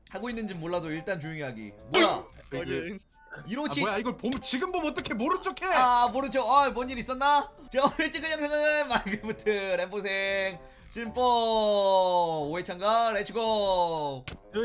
하고 있는지 몰라도 일단 조용히 하기. 뭐야? 확인. 이로치. 뭐야 이걸 지금 보면 어떻게 모른 척해? 모르죠. 뭔 일 있었나? 자, 오늘 찍은 영상은 마이크부트 램보생 심포 5회 참가 렛츠고.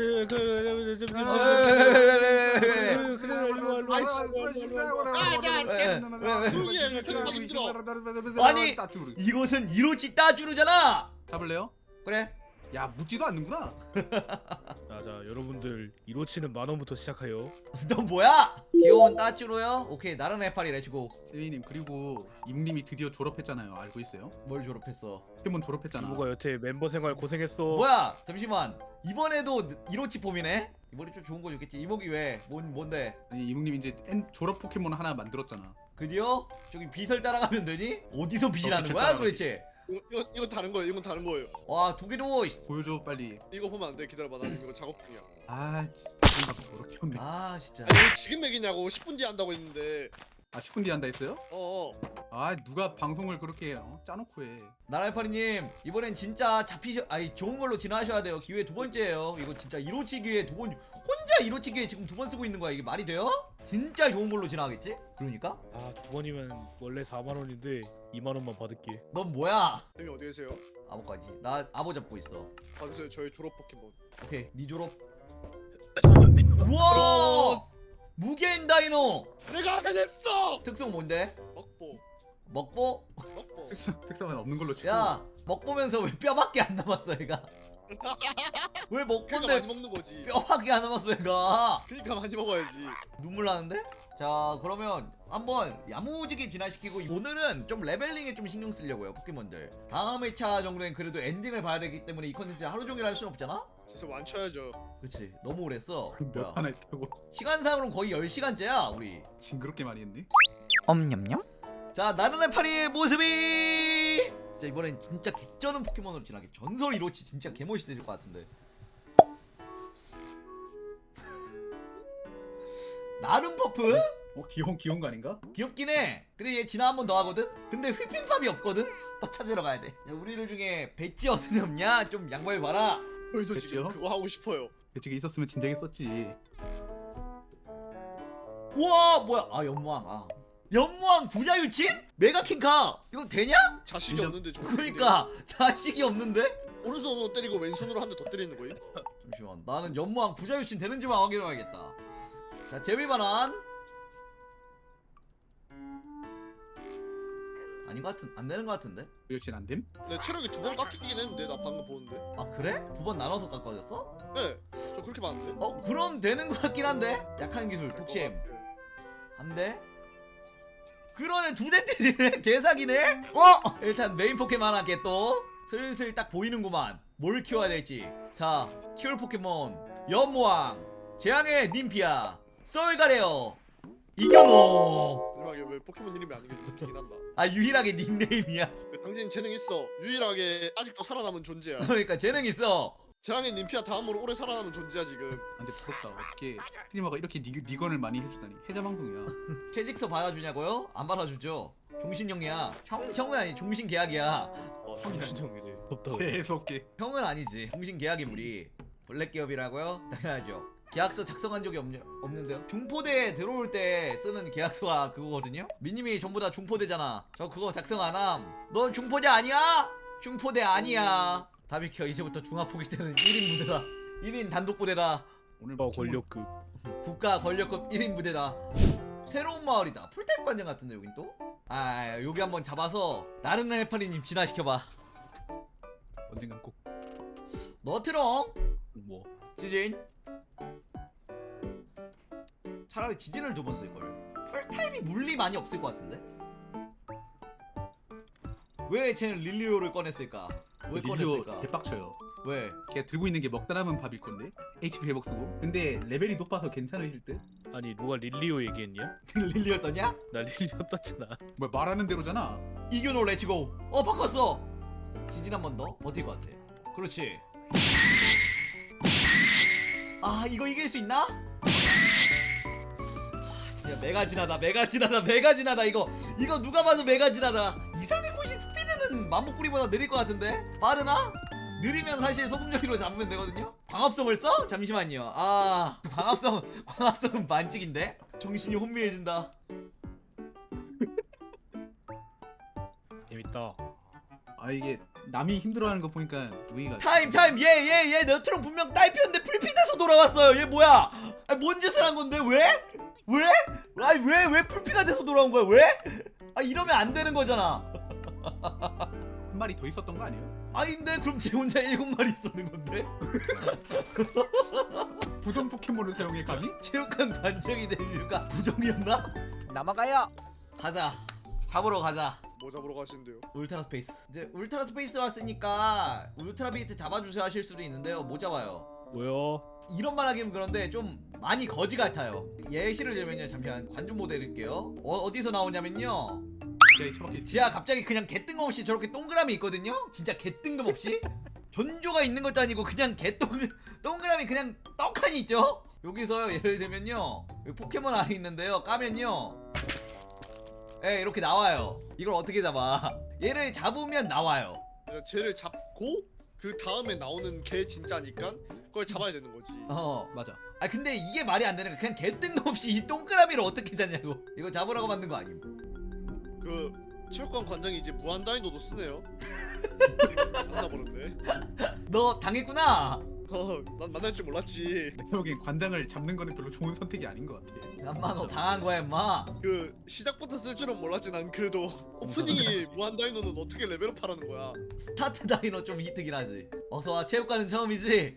아니 이곳은 이로치 따주르잖아. 잡을래요? 그래. 야 묻지도 않는구나. 자 여러분들 이로치는 10,000원부터 시작해요. 너 뭐야? 귀여운 따주로요? 오케이 나른 해파리 렛츠고. 제이님 그리고 임님이 드디어 졸업했잖아요. 알고 있어요? 뭘 졸업했어? 포켓몬 졸업했잖아. 이모가 여태 멤버 생활 고생했어. 뭐야? 잠시만. 이번에도 이로치 폼이네? 이번에 좀 좋은 거 줬겠지. 이목이 왜? 뭔데? 아니 임님 이제 졸업 포켓몬 하나 만들었잖아. 드디어? 저기 빛을 따라가면 되니? 어디서 빛이 나는 빛을 거야 따라가기. 도대체? 이건 다른 거예요. 이건 다른 거예요. 와 두 개도. 보여줘 빨리. 이거 보면 안 돼. 기다려봐. 나 지금 이거 작업 중이야. 아 진짜 저렇게 없네. 아 진짜. 아니 왜 지금 맥이냐고. 10분 뒤에 한다고 했는데. 아 10분 뒤에 한다 했어요? 어어. 아 누가 방송을 그렇게 짜놓고 해. 나랄파리님 이번엔 진짜 좋은 걸로 진화하셔야 돼요. 기회 두 번째예요. 이거 진짜 이로치 기회 두 번. 혼자 이로치 기회 지금 두 번 쓰고 있는 거야. 이게 말이 돼요? 진짜 좋은 걸로 진화하겠지? 그러니까? 두 번이면 원래 40,000원인데 20,000원만 받을게. 넌 뭐야? 형님 어디 계세요? 아보까지. 나 아보 잡고 있어. 봐주세요. 저희 졸업 포켓몬. 오케이 니 졸업. 우와! 무게인 다이노. 내가 해냈어. 특성 뭔데? 먹보. 먹보? 먹보. 특성은 없는 걸로 치고. 야 먹보면서 왜 뼈밖에 안 남았어 얘가? 왜 그러니까 먹보인데 많이 먹는 거지. 뼈밖에 안 남았어 얘가? 그러니까 많이 먹어야지. 눈물 나는데? 자 그러면 한번 야무지게 진화시키고 오늘은 좀 레벨링에 좀 신경 쓰려고요 포켓몬들. 다음 회차 정도엔 그래도 엔딩을 봐야 되기 때문에 이 컨텐츠 하루 종일 할 순 없잖아? 진짜 완쳐야죠. 그치 너무 오래 했어. 몇 뭐야 하나 있다고. 시간상으로는 거의 10시간째야 우리. 징그럽게 많이 했네. 엄냠냠. 자 나른의 파리의 모습이 진짜 이번엔 진짜 개쩌는 포켓몬으로 진화하게. 전설 이로치 진짜 개멋있을 것 같은데. 나름 퍼프? 귀여운 거 아닌가? 귀엽긴 해. 근데 얘 진화 한 번 더 하거든? 근데 휘핑팝이 없거든? 또 찾으러 가야 돼. 야, 우리들 중에 배지 어디 없냐? 좀 양보해봐라. 저희도 지금 됐죠? 그거 하고 싶어요. 대책이 있었으면 진작에 썼지. 우와 뭐야. 연무왕. 연무왕 부자유친? 메가킹카 이거 되냐? 자식이 진짜- 없는데 저거 그러니까 자식이 없는데? 오른손으로 때리고 왼손으로 한 대 더 때리는 거임? 잠시만 나는 연무왕 부자유친 되는지만 확인해봐야겠다. 자 재미반환. 아닌 것 같은 안 되는 것 같은데? 여친 안 됨? 내 체력이 2번 깎이긴 했는데 나 방금 보는데. 아 그래? 두 번 나눠서 깎아졌어? 네. 저 그렇게 많은데. 그럼 되는 것 같긴 한데? 약한 기술 독침 한 대. 그러네 두 대 때리네. 개사기네. 일단 메인 포켓몬 하나 또 슬슬 딱 보이는구만. 뭘 키워야 될지. 자 키울 포켓몬 연무왕, 재앙의 님피아, 썰가레어, 이겨노. 마지막에 왜 포켓몬 이름이 아닌 게 웃기긴 한다. 유일하게 닉네임이야. 당신 재능 있어. 유일하게 아직도 살아남은 존재야. 그러니까 재능 있어. 재앙의 님피아 다음으로 오래 살아남은 존재야 지금. 아, 근데 부럽다. 어떻게 스트리머가 이렇게 니건을 많이 해주다니. 해자 방송이야. 퇴직서 받아주냐고요? 안 받아주죠. 종신형이야. 형은 아니 종신계약이야. 정신형이네. 덥다. 재수없게. 형은 아니지. 종신계약이 우리 블랙 기업이라고요? 당연하죠. 계약서 작성한 적이 없는데요. 중포대에 들어올 때 쓰는 계약서가 그거거든요. 미님이 전부 다 중포대잖아. 저 그거 작성 안 함. 넌 중포대 아니야? 중포대 아니야. 다 비켜. 이제부터 중화포기 때는 1인 부대다. 1인 단독 부대다. 오늘 권력급. 국가 권력급 1인 부대다. 새로운 마을이다. 풀타입 관전 같은데 여긴 또? 여기 한번 잡아서 나른한 해파리님 진화시켜봐. 언젠간 꼭 너트롱 뭐. 지진. 차라리 지진을 두 번 쓸걸. 풀타입이 물리 많이 없을 것 같은데? 왜 쟤는 릴리오를 꺼냈을까? 왜 릴리오 꺼냈을까? 대빡쳐요. 왜? 걔가 들고 있는 게 먹다 남은 밥일 건데. HP 회복 쓰고. 근데 레벨이 높아서 괜찮으실 듯. 아니 누가 릴리오 얘기했냐? 릴리오 떴냐? 나 릴리오 떴잖아. 뭐 말하는 대로잖아. 이겨노 렛츠고. 바꿨어. 지진 한 번 더 버틸 것 같아. 그렇지. 이거 이길 수 있나? 진짜 메가진하다 이거 누가 봐도 메가진하다. 이상민꽃이 스피드는 맘목구리보다 느릴 것 같은데? 빠르나? 느리면 사실 소금요리로 잡으면 되거든요? 광합성을 써? 잠시만요. 아 광합성은 만직인데? 정신이 혼미해진다. 재밌다. 아 이게 남이 힘들어하는 거 보니까 우이가 타임 얘 너트럼 분명 딸피였는데 풀피돼서 돌아왔어요. 얘 뭐야? 아니, 뭔 짓을 한 건데 왜? 아니 왜 풀피가 돼서 돌아온 거야? 왜? 아 이러면 안 되는 거잖아. 한 마리 더 있었던 거 아니에요? 아닌데 그럼 쟤 혼자 7마리 있었는 건데? 부정 포켓몬을 사용해 감히? 체육관 단장이 된 이유가 부정이었나? 넘어가요. 가자. 잡으러 가자. 뭐 잡으러 가시는데요? 울트라 스페이스. 이제 울트라 스페이스 왔으니까 울트라 비트 잡아주세요 하실 수도 있는데요. 못 잡아요. 뭐야? 이런 말 하기는 그런데 좀 많이 거지 같아요. 예시를 들면요. 잠시만 관중 모델 드릴게요. 어디서 나오냐면요. 지하에 처박혀 있어. 지하 갑자기 그냥 개뜬금없이 저렇게 동그라미 있거든요. 진짜 개뜬금없이 전조가 있는 것도 아니고 그냥 동그라미 그냥 떡하니 있죠. 여기서 예를 들면요. 여기 포켓몬 안에 있는데요. 까면요. 예, 이렇게 나와요. 이걸 어떻게 잡아? 얘를 잡으면 나와요. 그냥 쟤를 잡고 그 다음에 나오는 개 진짜니까 그걸 잡아야 되는 거지. 맞아. 아 근데 이게 말이 안 되는 거야. 그냥 개뜬금없이 이 동그라미를 어떻게 잡냐고. 이거 잡으라고 만든 거 아님? 그 체육관 관장이 이제 무한 다이노도 쓰네요. 만나보는데. 너 당했구나. 난 만날 줄 몰랐지. 내가 보기엔 관장을 잡는 거는 별로 좋은 선택이 아닌 것 같아. 엄마 너 당한 거야 임마. 그 시작부터 쓸 줄은 몰랐지. 난 그래도 오프닝이 무한 다이노는 어떻게 레벨업하라는 거야. 스타트 다이너 좀 이득이긴 하지. 어서와 체육관은 처음이지.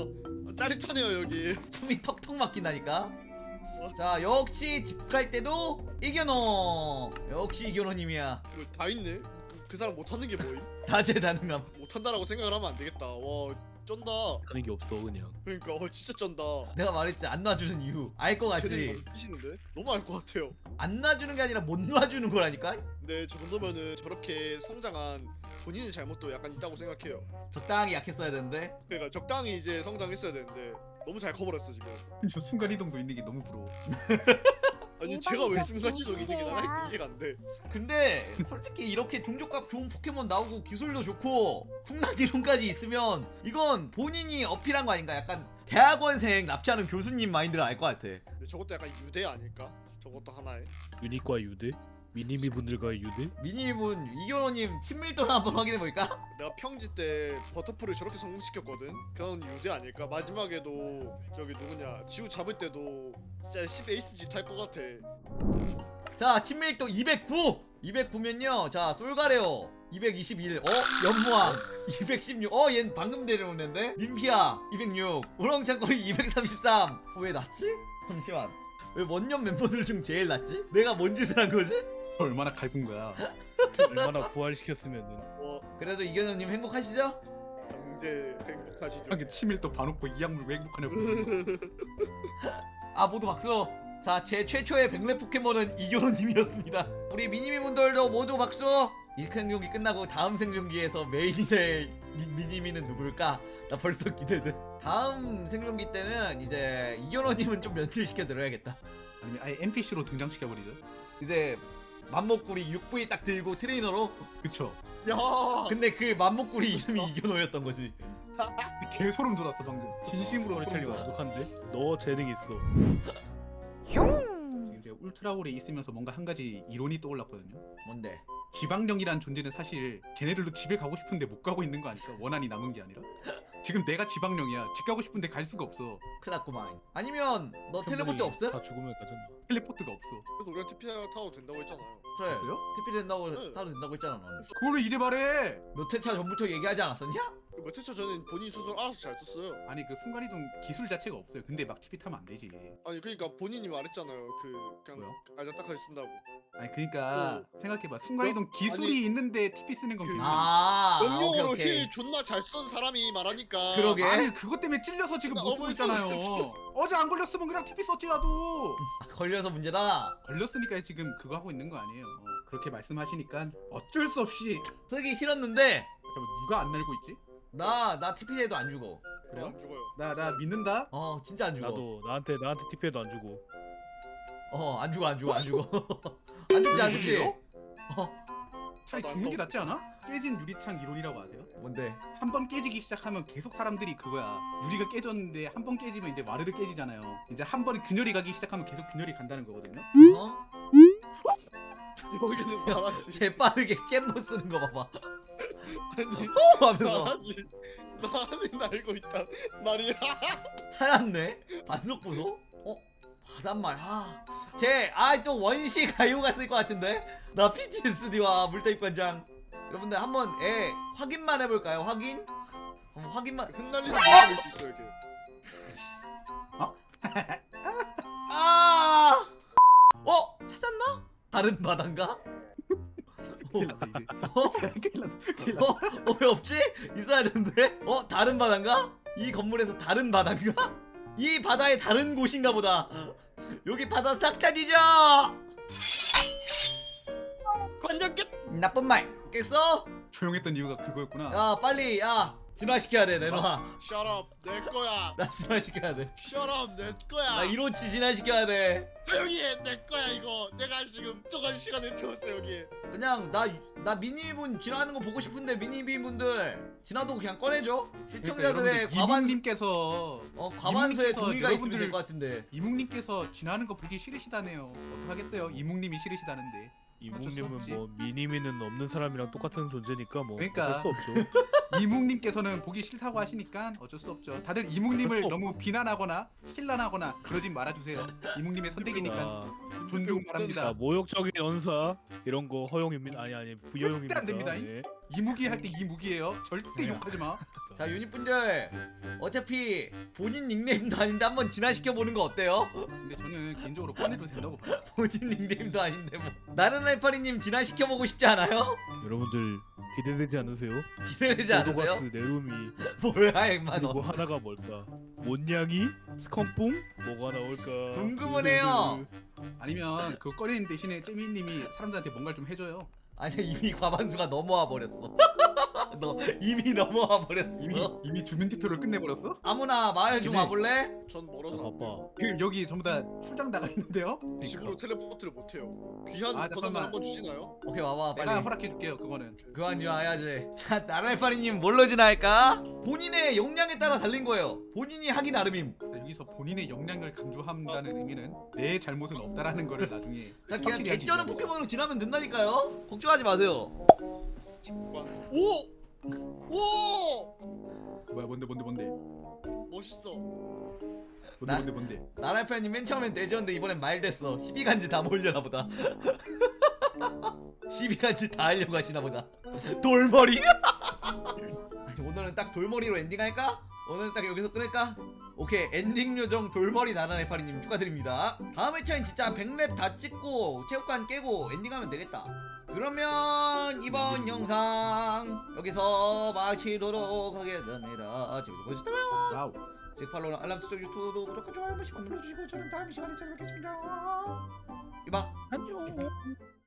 짜릿하네요 여기. 숨이 턱턱 막힌다니까. 자 역시 집 갈 때도 이겨노. 역시 이겨노님이야. 다 있네. 그 사람 못하는 게 뭐임? 다재다능함. 못한다라고 생각을 하면 안 되겠다. 와 쩐다. 하는 게 없어 그냥. 그러니까 진짜 쩐다. 내가 말했지 안 놔주는 이유 알 거 쟤는 같지. 미치는데? 너무 알 것 같아요. 안 놔주는 게 아니라 못 놔주는 거라니까. 근데 저 정도면은 저렇게 성장한 본인의 잘못도 약간 있다고 생각해요. 적당히 약했어야 되는데. 그러니까 적당히 이제 성장했어야 되는데 너무 잘 커버렸어 지금. 저 순간 이동도 있는 게 너무 부러워. 아니 제가 왜 순간이동 이득이 나 이해가 안 돼. 근데 솔직히 이렇게 종족값 좋은 포켓몬 나오고 기술도 좋고 쿵락 이론까지 있으면 이건 본인이 어필한 거 아닌가. 약간 대학원생 납치하는 교수님 마인드를 알 것 같아. 근데 저것도 약간 유대 아닐까? 저것도 하나에. 유닛과 유대? 미니미 분들과의 유대? 미니문 이겨노님 친밀도나 한번 확인해 볼까? 내가 평지 때 버터풀을 저렇게 성공시켰거든. 그건 유대 아닐까? 마지막에도 저기 누구냐 지우 잡을 때도 진짜 10 에이스 짓 할 것 같아. 자 친밀도 209 209면요. 자 솔가레오 221. 연무왕 216. 얜 방금 데려오는데. 님피아 206. 우렁찬거리 233. 왜 낮지? 잠시만. 왜 원년 멤버들 중 제일 낮지? 내가 뭔 짓을 한 거지? 얼마나 갈군 거야. 얼마나 부활시켰으면은. 와 그래도 이겨노님 행복하시죠? 경제 행복하시죠. 하게 치밀도 봐놓고 이 약물 왜 행복하냐고. 아 모두 박수. 자 제 최초의 백렙 포켓몬은 이겨노님이었습니다. 우리 미니미 분들도 모두 박수. 1큰 경기 끝나고 다음 생존기에서 메인이 될 미니미는 누굴까? 나 벌써 기대돼. 다음 생존기 때는 이제 이겨노님은 좀 면til시켜 드려야겠다. 아니면 아예 NPC로 등장시켜버리죠. 이제 맘목구리 6V 딱 들고 트레이너로. 그쵸. 야. 근데 그 맘목구리 이름이 이겨노였던 거지. 개 소름 돋았어 방금. 진심으로 소름 스토리텔링 돋았어. 완벽한데? 너 재능 있어. 지금 제가 울트라올에 있으면서 뭔가 한 가지 이론이 떠올랐거든요. 뭔데? 지방령이란 존재는 사실 걔네들도 집에 가고 싶은데 못 가고 있는 거 아닐까? 원한이 남은 게 아니라. 지금 내가 지방령이야. 집 가고 싶은데 갈 수가 없어. 크다꾸만. 아니면 너 텔레포트 없음? 다 죽으면 가잖아. 텔레포트가 없어. 그래서 우리가 TP 타도 된다고 했잖아요. 그래. 됐어요? TP 된다고 네. 타도 된다고 했잖아 넌. 그걸 왜 이제 말해? 몇 회차 전부터 얘기하지 않았었냐? 몇 회차 전엔 본인 스스로 알아서 잘 썼어요. 아니 그 순간이동 기술 자체가 없어요. 근데 막 TP 타면 안 되지. 아니 그러니까 본인이 말했잖아요. 그냥 뭐요? 알자딱하게 쓴다고. 아니 그러니까 생각해봐. 순간이동 기술이 아니, 있는데 TP 쓰는 건 그- 괜찮아. 아 명령어로 오케이. 힐 존나 잘 쓰던 사람이 말하니까. 그러게. 아니 그것 때문에 찔려서 지금 못 쓰고 어머, 있잖아요. 어제 안 걸렸으면 그냥 TP 썼지 나도. 걸려서 문제다. 걸렸으니까 지금 그거 하고 있는 거 아니에요. 그렇게 말씀하시니까 어쩔 수 없이. 쓰기 싫었는데 잠깐 누가 안 날고 있지? 나 TP해도 안 죽어. 그래요? 안 죽어요. 나 믿는다. 진짜 안 죽어. 나도 나한테 TP해도 안 주고. 안 죽어 안 죽어. 안 죽지 안 죽지. 차라리 나도 죽는 게 안 낫지 않아? 깨진 유리창 이론이라고 아세요? 뭔데? 한 번 깨지기 시작하면 계속 사람들이 그거야. 유리가 깨졌는데 한 번 깨지면 이제 와르르 깨지잖아요. 이제 한 번에 균열이 가기 시작하면 계속 균열이 간다는 거거든요. 어? 여기는 말하지. 개 빠르게 깻못 쓰는 거 봐봐. 아니 하면서 말하지. 나는 알고 있다 말이야. 살았네. 반속 보소? 바닷말. 쟤또 원시 가요가 쓸 것 같은데? 나 PTSD와 물타입관장. 여러분들 한번 확인만 해볼까요? 확인? 한번 확인만. 흩날리는 모습일 수 있어 여기. 찾았나? 다른 바다인가? 큰일 났다, 이제. 큰일 났다. 큰일 났다. 왜 없지? 있어야 되는데? 다른 바다인가? 이 건물에서 다른 바다인가? 이 바다의 다른 곳인가 보다. 여기 바다 싹 다 뒤져! 관장 끝. 나쁜 말 깼어? 조용했던 이유가 그거였구나. 야 빨리 진화시켜야 돼 내놔. Shut up 내 거야. 나 진화시켜야 돼. Shut up 내 거야. 나 1호치 진화시켜야 돼. 조용히 해내 거야 이거. 내가 지금 동안 시간을 태웠어 여기. 그냥 나 미니분 진화하는 거 보고 싶은데 미니비분들 진화도 그냥 꺼내줘. 시청자들의 이묵님께서 과반수의 이묵님께서 동의가 있으면 여러분들- 될 것 같은데. 이묵님께서 지나는 거 보기 싫으시다네요. 어떡하겠어요? 이묵님이 싫으시다는데. 이묵님은 뭐 미니미는 없는 사람이랑 똑같은 존재니까 뭐 그러니까. 어쩔 수 없죠. 이묵님께서는 보기 싫다고 하시니까 어쩔 수 없죠. 다들 이묵님을 어쩔 수 너무 비난하거나 힐난하거나 그러진 말아주세요. 이묵님의 선택이니까 자, 존중 자, 바랍니다. 모욕적인 언사 이런 거 허용입니다. 아니 부여용입니다. 절대 안 됩니다. 네. 이무기 할 때 이무기예요. 절대 네. 욕하지 마. 자 유닛분들 어차피 본인 닉네임도 아닌데 한번 진화시켜보는 거 어때요? 근데 저는 개인적으로 꺼내도 된다고 봐요. 본인 닉네임도 아닌데 뭐. 나른 알파리님 진화시켜보고 싶지 않아요? 여러분들 기대되지 않으세요? 기대되지 않으세요? 도도가스 네루미 뭐야 임마 그리고 너. 하나가 뭘까? 몬냥이? 스컴뽕? 뭐가 나올까? 궁금하네요. 아니면 그거 꺼내는 대신에 잼미님이 사람들한테 뭔가를 좀 해줘요. 아니 이미 과반수가 넘어와 버렸어. 너 이미 넘어와 버렸어. 이미 주민 투표를 끝내버렸어? 아무나 마을 좀 이미- 와볼래? 전 나 멀어서 안 돼요. 바빠. 지금 여기 전부 다 출장 나가 있는데요. 집으로 텔레포트를 못해요. 귀한 아, 권한을 잠깐만. 한번 주시나요? 오케이 와봐 내가 빨리. 허락해줄게요. 그거는. 그만 진화해야지. 자 나랄파리님 뭘로 진화할까? 본인의 역량에 따라 달린 거예요. 본인이 하기 나름임. 여기서 본인의 역량을 강조한다는 의미는 내 잘못은 없다라는 거를 나중에 자 그냥 확실히 하기 개쩌는 위한 거죠. 포켓몬으로 진화하면 된다니까요. 걱정하지 마세요. 직관. 오! 오! 뭐야 뭔데 멋있어. 나- 뭔데 나랄파리님 맨 처음엔 돼지였는데 이번엔 말 됐어. 12간지 다 몰려나 보다. 12간지 다 하려고 하시나 보다. 돌머리? 아니, 오늘은 딱 돌머리로 엔딩할까? 오늘은 딱 여기서 끊을까? 오케이 엔딩 요정 돌머리 나나네파리님 축하드립니다. 다음 회차엔 진짜 100렙 다 찍고 체육관 깨고 엔딩하면 되겠다. 그러면 이번 영상 여기서 마치도록 하겠습니다. 재밌게 보셨다면 와우. 즉 팔로우랑 알람 설정 유튜브도 구독과 좋아요 한 번씩 눌러주시고 저는 다음 시간에 찾아뵙겠습니다. 이봐. 안녕.